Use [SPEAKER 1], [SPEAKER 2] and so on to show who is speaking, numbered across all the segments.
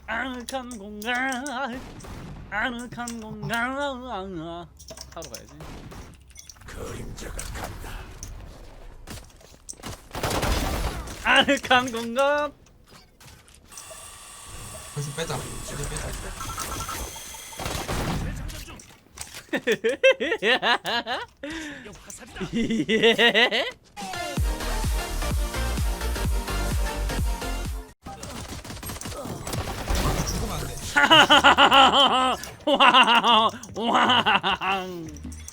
[SPEAKER 1] 아늑한 공간 아늑한 공간 하러 가야지.
[SPEAKER 2] 그림자가 간다.
[SPEAKER 1] 아늑한 공간.
[SPEAKER 3] 벌써 빼자. 이제 빼자.
[SPEAKER 1] 예.
[SPEAKER 3] 죽으면 안 돼.
[SPEAKER 1] 왕.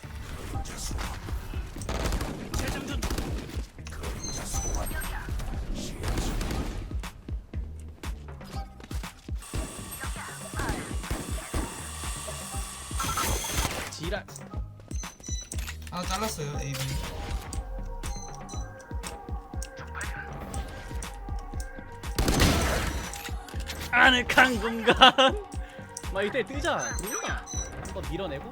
[SPEAKER 1] 지랄.
[SPEAKER 3] 하나 잘랐어요. AB.
[SPEAKER 1] 아늑한 공간. 막 이때 뜨자. 그러나 한번 밀어내고.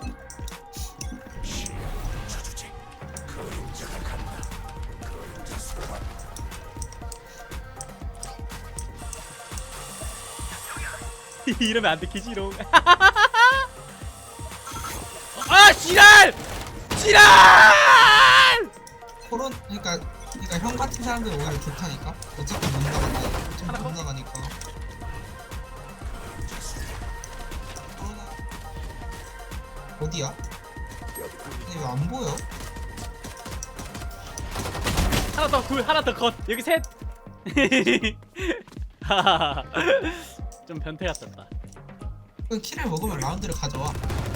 [SPEAKER 2] 저주지. 그림자가 간다. 그림자 소환.
[SPEAKER 1] 이러면 안 들키지롱. 아 지랄! 지랄!
[SPEAKER 3] 그러니까 형 같은 사람들 오히려 좋다니까. 어차피 못 나간다. 어차피 못 나가니까. 코로나 어디야? 근데 왜 안 보여?
[SPEAKER 1] 하나 더 굴, 하나 더 컷. 여기 셋. 좀 변태 같았다.
[SPEAKER 3] 그 키를 먹으면 라운드를 가져와.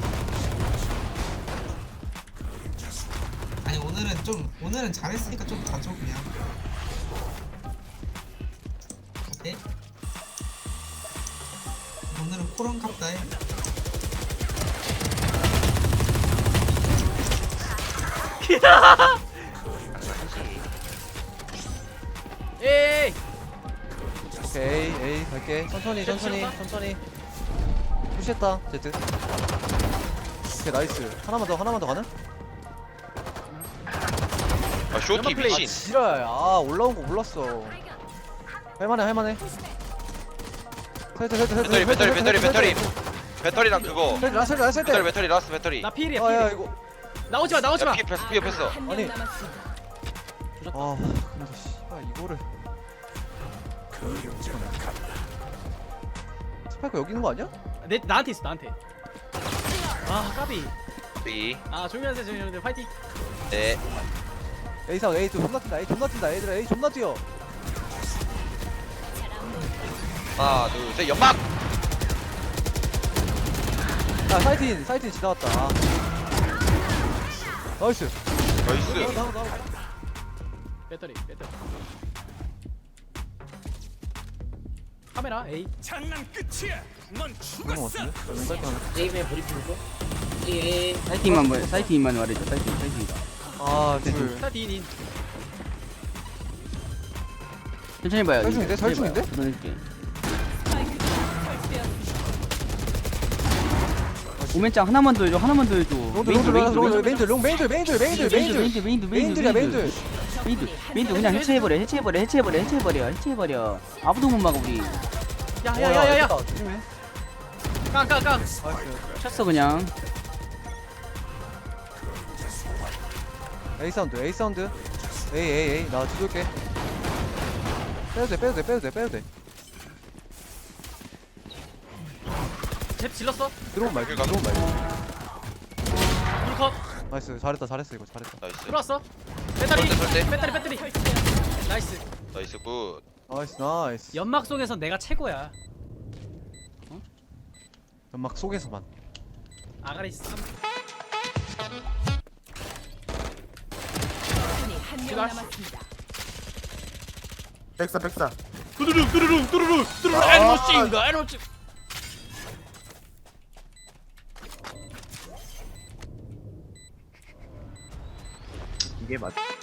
[SPEAKER 3] 아니 오늘은 잘했으니까 좀 가져 그냥. 어때? 오늘은 코런 갑다 해.
[SPEAKER 1] 에이.
[SPEAKER 4] 오케이 에이 갈게 천천히 푸시했다 제트. 오케이 나이스 하나만 더 가능?
[SPEAKER 5] 아 쇼티 미친.
[SPEAKER 4] 지랄 아 올라온 거 몰랐어. 할만해
[SPEAKER 5] 배터리랑 그거
[SPEAKER 4] 라스
[SPEAKER 5] 배터리 라스트 배터리.
[SPEAKER 1] 나 필이야.
[SPEAKER 4] 아야
[SPEAKER 1] 필.
[SPEAKER 4] 이거
[SPEAKER 1] 나오지 마. 나오지 마.
[SPEAKER 5] 야 피해 뺐어.
[SPEAKER 4] 아니 아 근데 씨발 이거를
[SPEAKER 2] 그림자가 간다.
[SPEAKER 4] 스파이크 여기 있는 거 아니야?
[SPEAKER 1] 나한테 있어. 나한테. 아 까비.
[SPEAKER 5] B.
[SPEAKER 1] 아 조용히 하세요. 조용히 하세요. 파이팅.
[SPEAKER 5] 네.
[SPEAKER 4] A상 A 존나 뛴다 얘들아 A 존나 뛰어.
[SPEAKER 5] 하나 둘 셋 연막.
[SPEAKER 4] 야 사이트인 지나갔다. 아. 나이스.
[SPEAKER 5] 나이스.
[SPEAKER 4] 나와.
[SPEAKER 1] 배터리. 카메라 A.
[SPEAKER 2] 장난 끝이야. 넌
[SPEAKER 4] 그런 거
[SPEAKER 2] 죽었어.
[SPEAKER 4] 같은데? 사이트 하나.
[SPEAKER 6] 게임에 브리핑 줘? 예. 사이팅만 말해줘. 사이팅이다.
[SPEAKER 4] 아 둘.
[SPEAKER 1] 자 디인.
[SPEAKER 6] 천천히 봐요.
[SPEAKER 4] 설중인데? 설중인데?
[SPEAKER 6] 보내줄게. 오멘짱 하나만 더 해줘. 메인들 그냥 해체해버려. 아무도 못 막아 우리.
[SPEAKER 1] 야야야야야.
[SPEAKER 4] 조심해.
[SPEAKER 1] 깡.
[SPEAKER 4] 나이스.
[SPEAKER 6] 쳤어 그냥.
[SPEAKER 4] A 사운드. A 나 뒤돌게. 빼도 돼.
[SPEAKER 1] 잽 질렀어.
[SPEAKER 4] 들어온 말고.
[SPEAKER 1] 불컷.
[SPEAKER 4] 나이스 잘했어 이거 잘했다.
[SPEAKER 5] 나이스.
[SPEAKER 1] 들어왔어. 배터리.
[SPEAKER 5] 설대.
[SPEAKER 1] 배터리. 나이스.
[SPEAKER 5] 나이스 굿.
[SPEAKER 4] 나이스.
[SPEAKER 1] 연막 속에서 내가 최고야.
[SPEAKER 4] 연막 속에서만.
[SPEAKER 1] 아가리 쌈.
[SPEAKER 7] 한명
[SPEAKER 1] 제발.
[SPEAKER 7] 남았습니다.
[SPEAKER 2] 백사.
[SPEAKER 1] 뚜루루.
[SPEAKER 2] 아.
[SPEAKER 1] 애니모싱가.
[SPEAKER 6] 이게 맞.